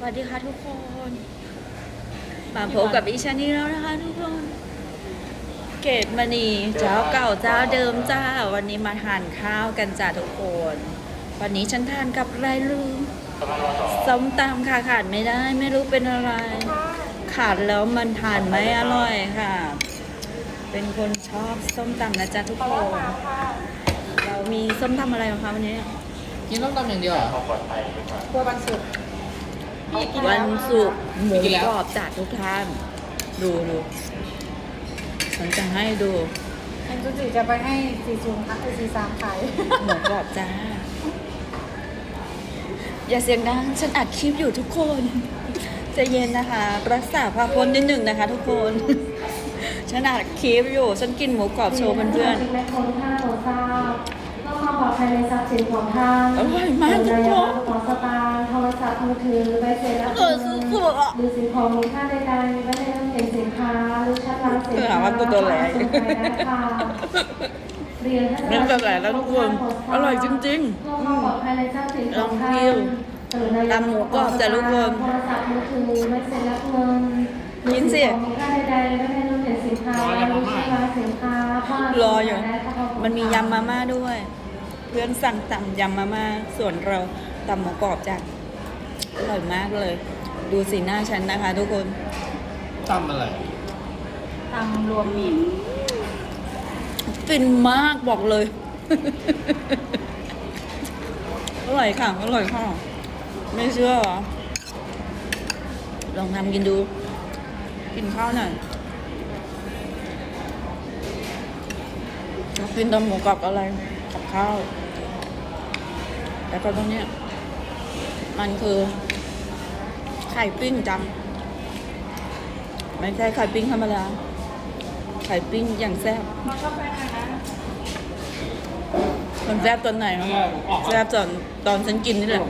วัสดีค่ะทุกคนมาพบกับดิฉันนี่แล้วนะคะทุกคน เกตมณีเจ้าเก่าเจ้าเดิมจ้า วันนี้มาทานข้าวกันจ้าทุกคน วันนี้ฉันทานกับอะไรลืมส้มตำค่ะขาดไม่ได้ ไม่รู้เป็นอะไร ขาดแล้วมันทานไม่อร่อยค่ะ เป็นคนชอบส้มตำนะจ๊ะทุกคน เรามีส้มตำอะไรบ้างคะวันนี้กินต้มตำอย่างเดียวเหรอกลัววันศุกร์วันศุกร์หมูกรอบจัดทุกท่าน ดูฉันจะให้ดูแอนจูจิจะไปให้40ค่ะ43ขายหมูกรอบจ้า อย่าเสียงดังฉันอัดคลิปอยู่ทุกคนใจะเย็นนะคะ รักษาความพ้นนิดหนึ่งนะคะทุกคน ฉันอัดคลิปอยู่ ฉันกินหมูกรอบโชว์เพื่อนและคนท่านโปรดทราบเพื่อความปลอดภัยในทรัพย์สินของท่านอร่อยมากทุกคนกระเป๋าสตางค์โทรศัพท์มือถือใบเสร็จรับเออซื้อเผือกอะหรือสิ่งของมีค่าใดๆไว้ในตู้เก็บสินค้าหรือชั้นวางสินเผื่อค้าว่าตัวแหลกส่งไปได้ค่ะเรียนท่านนั่นก็แหละแล้วทุกคนอร่อยจริงๆเพื่อความปลอดภัยในทรัพย์สินของท่าลองคินวตำหมูกรอบจ้ะทุกคนโทรศัพท์มือถือใบเสร็จรับเงินกินสิหรือสิ่งของมีค่าใดๆไว้ในตู้เก็บสินค้าหรือชั้นวางสินค้าเพื่รออยู่ได้ค่ะมันมียำมาม่าด้วย เพื่อนสั่งตำยำมาม่า ส่วนเราตำหมูกรอบจ้ะอร่อยมากเลย ดูสีหน้าฉันนะคะทุกคนตำอะไรตำรวมมิตรฟินมากบอกเลย อร่อยค่ะ อร่อยค่ะ ไม่เชื่อเหรอ ลองทำกินดู กินข้าวหน่อยกินตำหมูกรอบอะไรกับข้าว แล้วก็ตรงเนี้ยมันคือ ไข่ปิ้งจัง ไม่ใช่ไข่ปิ้งธรรมดา ไข่ปิ้งอย่างแซ่บมาชอบแฟนนะมันแซ่บตอนไหนวะแซ่บตอนฉันกินนี่แหละ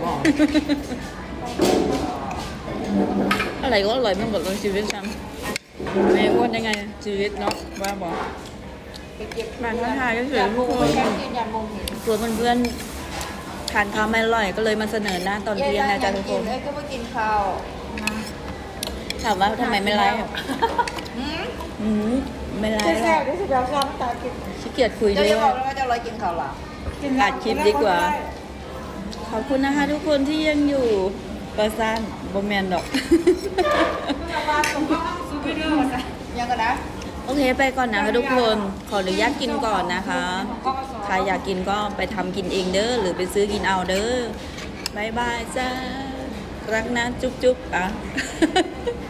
อะไรก็อร่อยไม่หมดเลยชีวิตฉันไม่อ้วนยังไงชีวิตเนาะว่าบอกไปเก็บมาทักทายก็เฉยๆทุกคนแค่ยืนยันมงเห็นส่วนเพื่อนๆทานข้าวไม่อร่อยก็เลยมาเสนอหน้าตอนเที่ยงนะจ๊ะทุกคนเอ้ยก็มากินข้าวถามว่าทำไมไม่ไลฟ์อืมไม่ไลฟ์หรแซ่อบ กที่สุดแล้วชอบตากินขี้เกียจคุยเจ้าด้วจะยบอกแล้วว่าจะรอกินข้าวหรออัดคลิปดีกว่า ขอบคุณนะคะทุกคนที่ยังอยู่ประสานบแมนดอกยังกันนะโอเคไปก่อนนะคะทุกคนขออนุญาตกินก่อนนะคะ ใครอยากกินก็ไปทำกินเองเด้อหรือไปซื้อกินเอาเด้อบายบายจ้ารักนะจุ๊บๆอ่ะ